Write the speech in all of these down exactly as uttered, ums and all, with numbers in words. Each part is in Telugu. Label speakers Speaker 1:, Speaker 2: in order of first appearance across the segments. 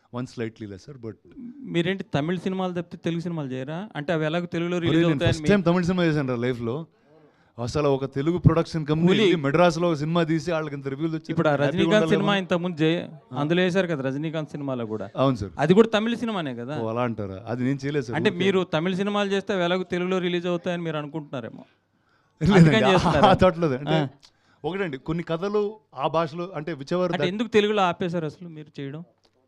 Speaker 1: One slightly lesser. బట్
Speaker 2: మీరేంటి తమిళ సినిమాలు తప్పితే తెలుగు సినిమాలు చేయరా? అంటే అవి ఎలాగో తెలుగులో రిలీజ్
Speaker 1: ఫస్ట్
Speaker 2: అవుతాయని
Speaker 1: టైం తమిళ సినిమా చేశాను రా లైఫ్లో. అసలు ఒక తెలుగు ప్రొడక్షన్ కంపెనీ మెడ్రాస్లో ఒక సినిమా తీసి వాళ్ళకి ఇంత రివ్యూలు వచ్చి.
Speaker 2: ఇప్పుడు ఆ రజనీకాంత్ సినిమా ఇంతకుముందు జే అందులో వేశారు కదా రజనీకాంత్ సినిమాలో కూడా.
Speaker 1: అవును సార్,
Speaker 2: అది కూడా తమిళ సినిమానే కదా.
Speaker 1: ఓ అలా అంటారా? అది నేను చేయలేదు సార్.
Speaker 2: అంటే మీరు తమిళ సినిమాలు చేస్తే అవి ఎలాగో తెలుగులో రిలీజ్ అవుతాయని మీరు అనుకుంటున్నారేమో.
Speaker 1: తోటలేదు అంటే ఒకటండి, కొన్ని కథలు ఆ భాషలో అంటే విచవర్.
Speaker 2: అంటే ఎందుకు తెలుగులో ఆపేశారు అసలు మీరు చేయడం?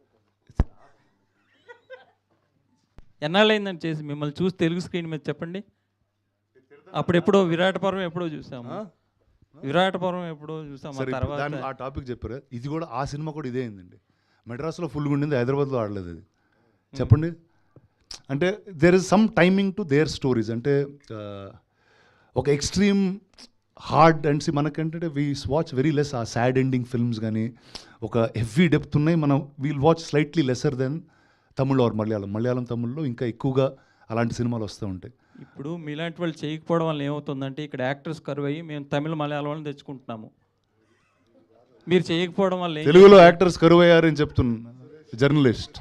Speaker 2: ఎన్నాళ్ళు అయిందని చేసి మిమ్మల్ని చూసి తెలుగు స్క్రీన్ మీద చెప్పండి. అప్పుడు ఎప్పుడో విరాట పర్వం ఎప్పుడో చూసాము, విరాట పర్వం ఎప్పుడో చూసాము. తర్వాత
Speaker 1: ఆ టాపిక్ చెప్పారు. ఇది కూడా ఆ సినిమా కూడా ఇదే అయిందండి. మెడ్రాస్లో ఫుల్గా ఉండింది, హైదరాబాద్లో ఆడలేదు అది. చెప్పండి. అంటే there is some timing to their stories. అంటే ఒక ఎక్స్ట్రీమ్ హార్డ్ అండ్ సి మనకంటే we watch very less uh sad ending films కానీ ఒక హెవీ డెప్త్ ఉన్నాయి. మనం we'll watch slightly lesser than Tamil or Malayalam. Malayalam తమిళ్లో ఇంకా ఎక్కువగా అలాంటి సినిమాలు వస్తూ ఉంటాయి.
Speaker 2: ఇప్పుడు మీలాంటి వాళ్ళు చేయకపోవడం వల్ల ఏమవుతుందంటే ఇక్కడ యాక్టర్స్ కరువు అయ్యి మేము తమిళ మలయాళం వాళ్ళని తెచ్చుకుంటున్నాము. మీరు చేయకపోవడం వల్ల
Speaker 1: తెలుగులో యాక్టర్స్ కరువు అయ్యారని చెప్తున్నా జర్నలిస్ట్.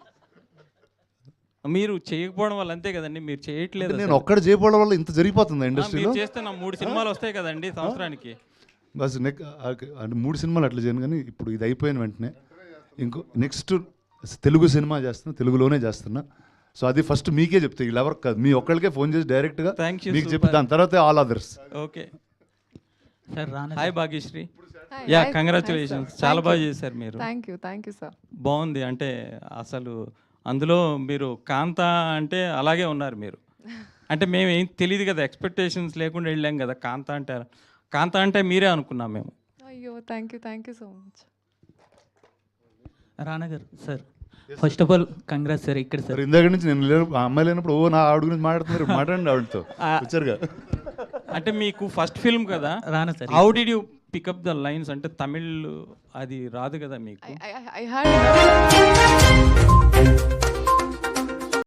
Speaker 2: మీరు చేయకపోవడం వల్ల అంతే కదండి, మీరు చేయట్లేదు.
Speaker 1: నేను ఒక్కడ చేయకపోవడం వల్ల ఇంత జరిగిపోతుంది ఇండస్ట్రీలో.
Speaker 2: చేస్తే నా మూడు సినిమాలు వస్తాయి కదండి సంవత్సరానికి.
Speaker 1: బస్ నెక్ అంటే మూడు సినిమాలు అట్లా చేయను. కానీ ఇప్పుడు ఇది అయిపోయిన వెంటనే ఇంకో నెక్స్ట్ తెలుగు సినిమా చేస్తున్నా, తెలుగులోనే చేస్తున్నా. సో అది ఫస్ట్ మీకే చెప్తే, వీళ్ళు ఎవరు కాదు, మీ ఒక్కరికే ఫోన్ చేసి డైరెక్ట్గా మీకు చెప్పి దాని తర్వాత all others.
Speaker 2: Okay sir. Hi Bhagyashree. Yeah congratulations, చాలా బాగా చేశారు మీరు.
Speaker 3: Thank you thank you sir.
Speaker 2: బాగుంది. అంటే అసలు అందులో మీరు కాంత అంటే అలాగే ఉన్నారు మీరు. అంటే మేము ఏం తెలియదు కదా, ఎక్స్పెక్టేషన్స్ లేకుండా వెళ్ళాం కదా. కాంత అంటే కాంత అంటే మీరే అనుకున్నాం మేము.
Speaker 3: అయ్యో thank you thank you so much.
Speaker 4: Rana garu sir, first of all congrats sir. ఇక్కడ సార్
Speaker 1: ఇందాక నుంచి నేను లేను, ఆ అమ్మాయి లేనప్పుడు ఓ నా ఆవిడ గురించి మాట్లాడుతున్నారు. మాట్లాడండి ఆవిడతో వచ్చారుగా.
Speaker 2: అంటే మీకు ఫస్ట్ ఫిల్మ్ కదా
Speaker 4: Rana sir.
Speaker 2: How did you pick up the lines? అంటే తమిళ్ అది రాదు కదా మీకు.
Speaker 3: I, I, I had